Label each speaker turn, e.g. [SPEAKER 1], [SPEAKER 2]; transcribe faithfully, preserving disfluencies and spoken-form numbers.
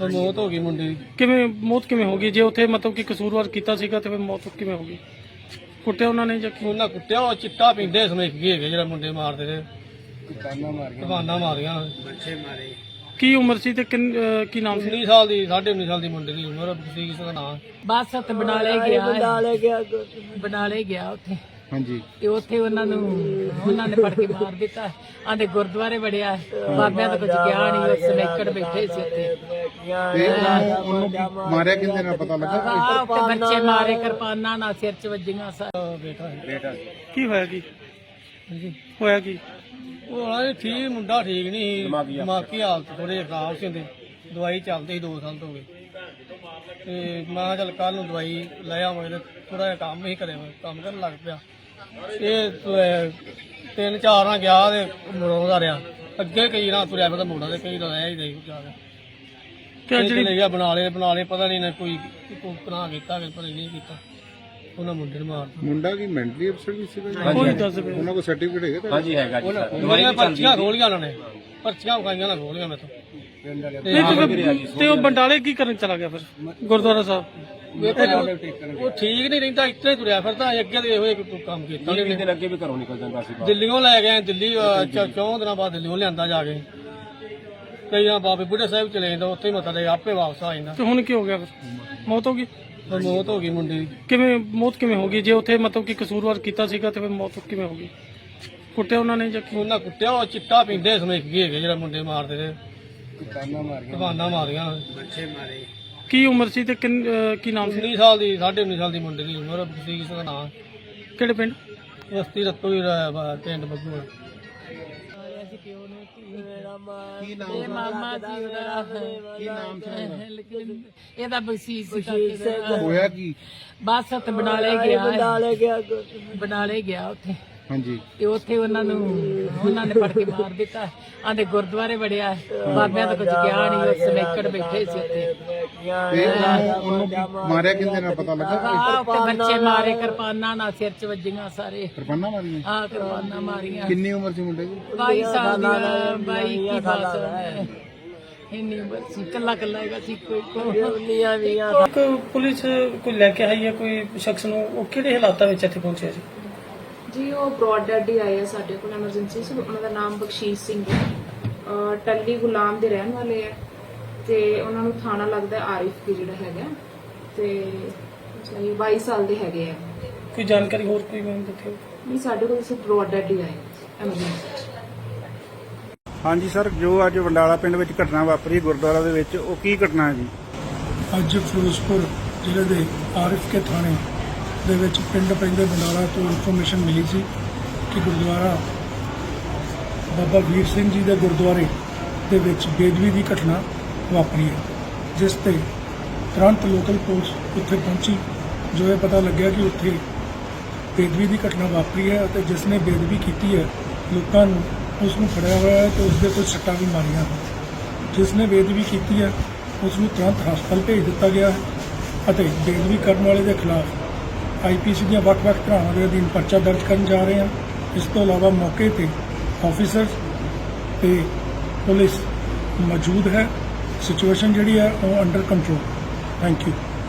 [SPEAKER 1] ਮੌਤ ਹੋ ਗਈ ਮੁੰਡੇ ਦੀ।
[SPEAKER 2] ਕਿਵੇਂ ਮੌਤ ਕਿਵੇਂ ਹੋ ਗਈ? ਜੇ ਉੱਥੇ ਮਤਲਬ ਕਿ ਕਸੂਰਵਾਰ ਕੀਤਾ ਸੀਗਾ ਤੇ ਫਿਰ ਮੌਤ ਕਿਵੇਂ ਹੋ ਗਈ? ਕੁੱਟਿਆ ਉਹਨਾਂ ਨੇ ਜਾਂ ਕੀ?
[SPEAKER 1] ਉਹਨਾਂ ਕੁੱਟਿਆ, ਉਹ ਚਿੱਟਾ ਪੀਂਦੇ ਸਮੇਕ ਗਏ ਹੈਗੇ ਜਿਹੜਾ ਮੁੰਡੇ ਮਾਰਦੇ ਨੇ, ਦੁਕਾਨਾਂ ਮਾਰੀਆਂ ਬੱਚੇ ਮਾਰੇ।
[SPEAKER 2] ਕੀ ਉਮਰ ਸੀ ਤੇ ਕਿੰਨ- ਅਹ ਕੀ ਨਾਮ ਸੀ?
[SPEAKER 1] ਉੱਨੀ ਸਾਲ ਦੀ, ਸਾਢੇ ਉੱਨੀ ਸਾਲ ਦੀ ਮੁੰਡੇ ਦੀ ਉਮਰ ਸੀ। ਕਿਸੇ ਦਾ ਨਾਂ
[SPEAKER 3] ਬਸ ਉੱਥੇ ਬਨਾਲੇ ਗਿਆ ਬਨਾਲੇ ਗਿਆ ਬਨਾਲੇ ਗਿਆ ਉੱਥੇ।
[SPEAKER 4] ਹਾਂਜੀ
[SPEAKER 3] ਤੇ ਉੱਥੇ ਉਹਨਾਂ ਨੂੰ ਉਹਨਾਂ ਨੇ ਫੜ ਕੇ ਮਾਰ ਦਿੱਤਾ। ਆਂਦੇ ਗੁਰਦੁਆਰੇ ਵੜਿਆ, ਬਾਬਿਆਂ ਦਾ ਕੁਝ ਗਿਆ ਨਹੀਂ, ਉਹ ਸਮੇਕੜ ਬੈਠੇ ਸੀ ਉੱਥੇ।
[SPEAKER 4] ਤੇ ਉਹਨੂੰ ਉਹਨੂੰ ਮਾਰਿਆ ਕਿੰਨੇ ਨਾਲ ਪਤਾ ਲੱਗਾ?
[SPEAKER 3] ਆਹ ਉੱਥੇ ਬੱਚੇ ਮਾਰੇ, ਕਿਰਪਾਨਾਂ ਨਾਲ ਸਿਰ 'ਚ ਵੱਜੀਆਂ ਸਾ।
[SPEAKER 1] ਬੇਟਾ ਬੇਟਾ
[SPEAKER 2] ਕੀ ਹੋਇਆ ਕੀ
[SPEAKER 1] ਹਾਂਜੀ।
[SPEAKER 2] ਹੋਇਆ ਕੀ?
[SPEAKER 1] ਉਹ ਆਲੇ ਠੀਕ, ਮੁੰਡਾ ਠੀਕ ਨਹੀਂ ਸੀ, ਦਿਮਾਗੀ ਹਾਲਤ ਥੋੜੇ ਖਰਾਬ ਸੀ ਉਹਦੀ। ਦਵਾਈ ਚੱਲਦੀ ਸੀ ਦੋ ਸਾਲ ਤੋਂ ਹੋ ਗਏ। ਤੇ ਮੈਂ ਕਿਹਾ ਚੱਲ ਕੱਲ ਨੂੰ ਦਵਾਈ ਲੈ ਆਵਾਂਗੇ। ਤੇ ਥੋੜਾ ਜਿਹਾ ਕੰਮ ਹੀ ਕਰੇ, ਕੰਮ ਕਰਨ ਲੱਗ ਪਿਆ। ਇਹ ਅਹ, ਤਿੰਨ ਚਾਰ ਨਾਲ ਗਿਆ ਤੇ ਮਰੋਂਦਾ ਰਿਹਾ। ਅੱਗੇ ਕਈ ਨਾ ਤੁਰਿਆ ਫਿਰਦਾ ਮੋੜਾ ਤੇ ਕਈ ਰਹਿ ਹੀ ਰਹੀ ਜਾ ਕੇ।
[SPEAKER 2] ਕਿ ਜਿਹੜੀ
[SPEAKER 1] ਚਲੇ ਗਿਆ ਬਣਾ ਲਏ ਬਣਾ ਲਏ ਪਤਾ ਨਹੀਂ ਨਾ ਕੋਈ ਕੋਈ ਬਣਾ ਕੀਤਾ ਕਿ ਪਤਾ ਨਹੀਂ ਕੀਤਾ। ਉਹਨਾਂ ਮੁੰਡੇ ਨੂੰ ਮਾਰ
[SPEAKER 4] ਮੁੰਡਾ ਕੀ ਮੈਂਟਲੀ ਅਪਸੈਟ ਵੀ ਸੀਗਾ?
[SPEAKER 2] ਕੋਈ ਦੱਸ ਦੇ।
[SPEAKER 4] ਉਹਨਾਂ ਕੋਲ ਸਰਟੀਫਿਕੇਟ ਹੈਗਾ?
[SPEAKER 5] ਹਾਂਜੀ ਹੈਗਾ ਜੀ।
[SPEAKER 1] ਉਹਨਾਂ ਪਰਚੀਆਂ ਖੋਲੀਆਂ, ਉਹਨਾਂ ਨੇ ਪਰਚੀਆਂ ਵਿਖਾਈਆਂ ਨਾ ਖੋਲੀਆਂ ਮੇਰੇ ਤੋਂ।
[SPEAKER 2] ਨਹੀਂ ਤੇ ਫਿਰ- ਤੇ ਉਹ ਬੰਡਾਲੇ ਕੀ ਕਰਨ ਚਲਾ ਗਿਆ ਫਿਰ ਗੁਰਦੁਆਰਾ ਸਾਹਿਬ?
[SPEAKER 1] ਉਹ ਠੀਕ ਨਹੀਂ ਰਹਿੰਦਾ, ਇੱਥੇ ਤੁਰਿਆ ਫਿਰਦਾ। ਅੱਗੇ ਦੇ ਇਹੋ ਜਿਹੇ ਕੰਮ ਕੀਤਾ
[SPEAKER 5] ਵੀਹ ਦਿਨ ਅੱਗੇ ਵੀ ਘਰੋਂ ਨਿਕਲ ਜਾਂਦਾ ਸੀ।
[SPEAKER 1] ਦਿੱਲੀੋਂ ਲੈ ਗਏ, ਦਿੱਲੀ ਅਹ, ਚ- ਚੌਂ ਦਿਨਾਂ ਬਾਅਦ ਦਿੱਲੀੋਂ ਲਿਆਂਦਾ ਜਾ ਕੇ। ਕਈ ਦਿਨ ਬਾਬੇ ਬੁੱਢੇ ਸਾਹਿਬ ਚਲੇ ਜਾਂਦਾ, ਉੱਥੇ ਹੀ ਮੱਥਾ ਟੇਕ ਆਪੇ ਵਾਪਸ ਆ ਜਾਂਦਾ।
[SPEAKER 2] ਤੇ ਹੁਣ ਕੀ ਹੋ ਗਿਆ ਫਿਰ? ਮੌਤ ਹੋ ਗਈ?
[SPEAKER 1] ਫਿਰ ਮੌਤ ਹੋ ਗਈ ਮੁੰਡੇ ਦੀ।
[SPEAKER 2] ਕਿਵੇਂ ਮੌਤ ਕਿਵੇਂ ਹੋ ਗਈ? ਜੇ ਉੱਥੇ ਮਤਲਬ ਕਿ ਕਸੂਰਵਾਰ ਕੀਤਾ ਸੀਗਾ ਤੇ ਫਿਰ ਮੌਤ ਕਿਵੇਂ ਹੋ ਗਈ? ਕੁੱਟਿਆ ਉਹਨਾਂ ਨੇ ਜਾਂ ਕੀ?
[SPEAKER 1] ਉਹਨਾਂ ਕੁੱਟਿਆ, ਉਹ ਚਿੱਟਾ ਪੀਂਦੇ ਸਮੇਕ ਗਏ ਹੈਗੇ ਜਿਹੜਾ ਮੁੰਡੇ ਮਾਰਦੇ ਨੇ, ਦੁਕਾਨਾਂ ਮਾਰੀਆਂ ਬੱਚੇ ਮਾਰੇ।
[SPEAKER 2] ਕੀ ਉਮਰ ਸੀ ਤੇ ਕਿੰਨ- ਅਹ ਕੀ ਨਾਮ ਸੀ?
[SPEAKER 1] ਉੱਨੀ ਸਾਲ ਦੀ, ਸਾਢੇ ਉੱਨੀ ਸਾਲ ਦੀ ਮੁੰਡੇ ਦੀ ਉਮਰ ਸੀ। ਕਿਸੇ ਦਾ ਨਾਂ
[SPEAKER 2] ਕਿਹੜੇ ਪਿੰਡ?
[SPEAKER 1] ਬਸਤੀ ਰਤੋ ਹੀ ਪਿੰਡ ਬੱਗੂ।
[SPEAKER 4] ਕੀ ਨਾਮ
[SPEAKER 3] ਇਹ ਮਾਮਾ ਜੀ ਉਹਦਾ
[SPEAKER 4] ਕੀ ਨਾਮ ਸੀ?
[SPEAKER 3] ਇਹਦਾ ਬਖਸ਼ੀਸ਼
[SPEAKER 4] ਹੋਇਆ ਕੀ?
[SPEAKER 3] ਬਸ ਉੱਥੇ ਬਨਾਲੇ ਗਿਆ ਬਨਾਲੇ ਗਿਆ ਬਨਾਲੇ ਗਿਆ ਉੱਥੇ।
[SPEAKER 4] ਹਾਂਜੀ
[SPEAKER 3] ਤੇ ਉੱਥੇ ਉਹਨਾਂ ਨੂੰ ਉਹਨਾਂ ਨੇ ਫੜ ਕੇ ਮਾਰ ਦਿੱਤਾ। ਆਂਦੇ ਗੁਰਦੁਆਰੇ ਵੜਿਆ, ਬਾਬਿਆਂ ਦਾ ਕੁਝ ਗਿਆ ਨਹੀਂ, ਉਹ ਸਮੇਕੜ ਬੈਠੇ ਸੀ ਉੱਥੇ।
[SPEAKER 4] ਤੇ ਉਹਨੂੰ ਉਹਨੂੰ ਮਾਰਿਆ ਕਿੰਨੇ ਨਾਲ ਪਤਾ ਲੱਗਾ?
[SPEAKER 3] ਆਹ ਉੱਥੇ ਬੱਚੇ ਮਾਰੇ, ਕਿਰਪਾਨਾਂ ਨਾਲ ਸਿਰ 'ਚ ਵੱਜੀਆਂ ਸਾਰੇ।
[SPEAKER 4] ਕਿਰਪਾਨਾਂ ਮਾਰੀਆਂ?
[SPEAKER 3] ਆਹ ਕਿਰਪਾਨਾਂ ਮਾਰੀਆਂ।
[SPEAKER 4] ਕਿੰਨੀ ਉਮਰ ਸੀ ਮੁੰਡੇ ਦੀ?
[SPEAKER 3] ਬਾਈ ਸਾਲ ਦਾ, ਬਾਈ ਕੀ ਬਸ ਇੰਨੀ ਉਮਰ ਸੀ। ਕੱਲਾ ਕੱਲਾ ਹੈਗਾ ਸੀ, ਕੋਈ ਕੋਨੀਆਂ ਵੀ
[SPEAKER 2] ਇੱਕ ਪੁਲਿਸ ਕੋਈ ਲੈ ਕੇ ਆਈ ਹੈ ਕੋਈ ਸ਼ਖਸ ਨੂੰ, ਉਹ ਕਿਹੜੇ ਹਾਲਾਤਾਂ ਵਿੱਚ ਇੱਥੇ ਪਹੁੰਚਿਆ ਜੀ?
[SPEAKER 6] ਜੀ ਉਹ ਬ੍ਰੌਡ ਡੈਡ ਹੀ ਆਏ ਆ ਸਾਡੇ ਕੋਲ ਐਮਰਜੈਂਸੀ 'ਚ। ਉਹਨਾਂ ਦਾ ਨਾਮ ਬਖਸ਼ੀਸ਼ ਸਿੰਘ ਹੈ, ਅਹ ਟੱਲੀ ਗੁਲਾਮ ਦੇ ਰਹਿਣ ਵਾਲੇ ਆ ਤੇ ਉਹਨਾਂ ਨੂੰ ਥਾਣਾ ਲੱਗਦਾ ਆਰਿਫ ਕੀ ਜਿਹੜਾ ਹੈਗਾ ਤੇ ਜੀ ਬਾਈ ਸਾਲ ਦੇ ਹੈਗੇ ਆ।
[SPEAKER 2] ਕੋਈ ਜਾਣਕਾਰੀ ਹੋਰ ਕੋਈ ਮੈਨੂੰ ਦਿੱਤੀ?
[SPEAKER 6] ਨਹੀਂ, ਸਾਡੇ ਕੋਲ ਸਿਰਫ ਬ੍ਰੌਡ ਡੈਡ ਹੀ ਆਏ ਐਮਰਜੈਂਸੀ 'ਚ।
[SPEAKER 7] ਹਾਂਜੀ ਸਰ, ਜੋ ਅੱਜ ਵੰਡਾਲਾ ਪਿੰਡ ਵਿੱਚ ਘਟਨਾ ਵਾਪਰੀ ਗੁਰਦੁਆਰਾ ਦੇ ਵਿੱਚ, ਉਹ ਕੀ ਘਟਨਾ ਹੈ ਜੀ?
[SPEAKER 8] ਅੱਜ ਫਿਰੋਜ਼ਪੁਰ ਜ਼ਿਲ੍ਹੇ ਦੇ ਆਰਿਫ ਕੇ ਥਾਣੇ ਦੇ ਵਿੱਚ ਪਿੰਡ ਪੈਂਦੇ ਬੰਡਾਲਾ ਤੋਂ ਇਨਫੋਰਮੇਸ਼ਨ ਮਿਲੀ ਸੀ ਕਿ ਗੁਰਦੁਆਰਾ ਬਾਬਾ ਵੀਰ ਸਿੰਘ ਜੀ ਦੇ ਗੁਰਦੁਆਰੇ ਦੇ ਵਿੱਚ ਬੇਦਬੀ ਦੀ ਘਟਨਾ ਵਾਪਰੀ ਹੈ, ਜਿਸ ਤੇ ਤੁਰੰਤ ਲੋਕਲ ਪੁਲਿਸ ਉੱਥੇ ਪਹੁੰਚੀ। ਜੋ ਇਹ ਪਤਾ ਲੱਗਿਆ ਕਿ ਉੱਥੇ ਬੇਦਬੀ ਦੀ ਘਟਨਾ ਵਾਪਰੀ ਹੈ ਅਤੇ ਜਿਸ ਨੇ ਬੇਦਬੀ ਕੀਤੀ ਹੈ ਲੋਕਾਂ ਨੂੰ ਉਸ ਨੂੰ ਫੜਿਆ ਹੋਇਆ ਹੈ ਤੇ ਉਸ ਦੇ ਕੁਝ ਸੱਟਾਂ ਵੀ ਮਾਰੀਆਂ ਹਨ। ਜਿਸ ਨੇ ਬੇਦਬੀ ਕੀਤੀ ਹੈ ਉਸ ਨੂੰ ਤੁਰੰਤ ਹਸਪਤਾਲ ਭੇਜ ਦਿੱਤਾ ਗਿਆ ਹੈ ਅਤੇ ਬੇਦਬੀ ਕਰਨ ਵਾਲੇ ਦੇ ਖਿਲਾਫ ਆਈ ਪੀ ਸੀ ਦੀਆਂ ਵੱਖ-ਵੱਖ ਧਾਰਾਵਾਂ ਦੇ ਅਧੀਨ ਪਰਚਾ ਦਰਜ ਕਰਨ ਜਾ ਰਹੇ ਹਾਂ। ਇਸ ਤੋਂ ਇਲਾਵਾ ਮੌਕੇ ਤੇ ਆਫੀਸਰ ਤੇ ਪੁਲਿਸ ਮੌਜੂਦ ਹੈ। ਸਿਚੁਏਸ਼ਨ ਜਿਹੜੀ ਹੈ ਉਹ ਅੰਡਰ ਕੰਟਰੋਲ। Thank you.